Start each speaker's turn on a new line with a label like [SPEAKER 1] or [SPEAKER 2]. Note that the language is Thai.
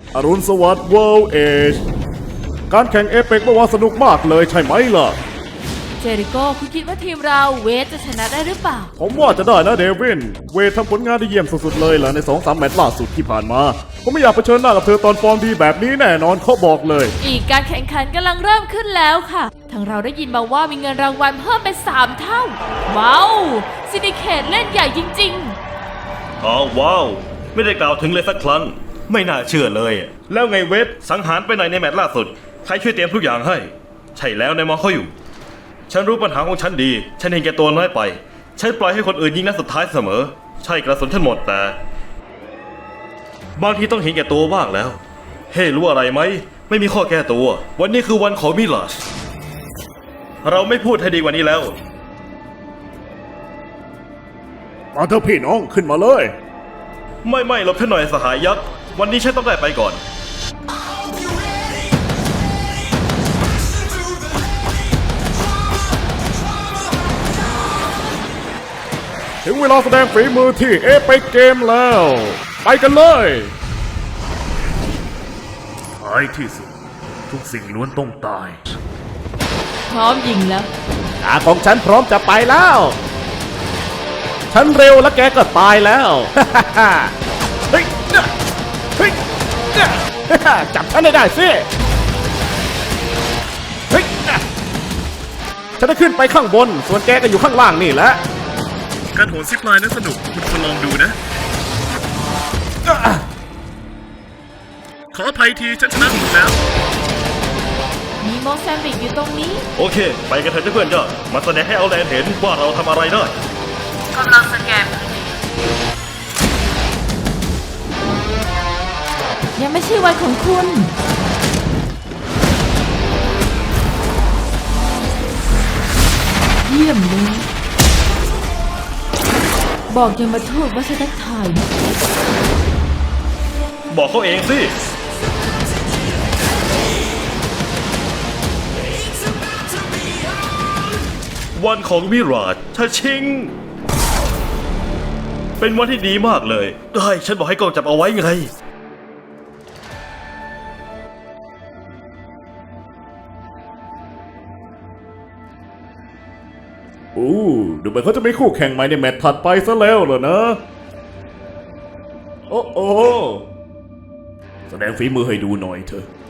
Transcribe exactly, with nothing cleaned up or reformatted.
[SPEAKER 1] อรุณสวัสดิ์ World Age การแข่งเอเปกเมื่อวานสนุกมากเลยใช่ไหมล่ะ
[SPEAKER 2] เจริโก้คุณคิดว่าทีมเราเวทจะชนะได้หรือเปล่า
[SPEAKER 1] ผมว่าจะได้นะเดวินเวททำผลงานได้เยี่ยมสุดๆเลยล่ะใน สองสาม แมตช์ล่าสุดที่ผ่านมาผมไม่อยากเผชิญหน้ากับเธอตอนฟอร์มดีแบบนี้แน่นอนเขาบอกเลย
[SPEAKER 2] อีกการแข่งขันกำลังเริ่มขึ้นแล้วค่ะทางเราได้ยินมาว่ามีเงินรางวัลเพิ่มเป็นสามเท่าว้าวซินดิเคตเล่นใหญ่จริง
[SPEAKER 3] ๆอ๋อว้าวไม่ได้กล่าวถึงเลยสักครั้งไม่น่าเชื่อเลยแล้วไงเวทสังหารไปไหนในแมตช์ล่าสุดใครช่วยเตรียมทุกอย่างให้ใช่แล้วนายมองเขาอยู่ฉันรู้ปัญหาของฉันดีฉันเห็นแก่ตัวน้อยไปฉันปล่อยให้คนอื่นยิงนัดสุดท้ายเสมอใช่กระสุนฉันหมดแต่บางทีต้องเห็นแก่ตัวบ้างแล้วเฮ้รู้อะไรไหมไม่มีข้อแก้ตัววันนี้คือวันของมิลาชเราไม่พูดให้ดีกว่านี้แล้ว
[SPEAKER 1] มาเถอะพี่น้องขึ้นมาเลย
[SPEAKER 3] ไม่ไม่หลบฉันหน่อยสหายยักษ์วันนี้ฉันต้องได้ไปก่อน
[SPEAKER 1] ถึงเวลาแสดงฝีมือที่เอเปกเกมแล้วไปกันเลยท้ายที่สุดทุกสิ่งล้วนต้องตาย
[SPEAKER 2] พร้อมยิงแล้ว
[SPEAKER 1] ตาของฉันพร้อมจะไปแล้วฉันเร็วและแกก็ตายแล้วเฮ้ยเฮ้ยจับฉันได้ได้สิเฮ้ยฉันจะขึ้นไปข้างบนส่วนแกก็อยู่ข้างล่างนี่แหละการโหนซิปไลน์นั้นสนุกคุณควรลองดูนะขออภัยทีฉันชนะหมดแล้ว
[SPEAKER 2] มีโมแซมบิกอยู่ตรงนี้
[SPEAKER 3] โอเคไปกันเถอะเพื่อนจ้ามาแสดงให้เอาแลนเห็นว่าเราทำอะไรได้
[SPEAKER 2] กำลังสแกนยังไม่ใช่วันของคุณเยี่ยมเลยบอกยังมาทูดว่าฉันทักทาย
[SPEAKER 3] บอกเขาเองสิวันของวิราชชาชิงเป็นวันที่ดีมากเลยได้ฉันบอกให้กล้องจับเอาไว้ไง
[SPEAKER 1] โอ้ดูเหมือนเขาจะไม่คู่แข่งใหม่ในแมตช์ถัดไปซะแล้วเหรอนะโอ้โอ้แสดงฝีมือให้ดูหน่อยเถอะ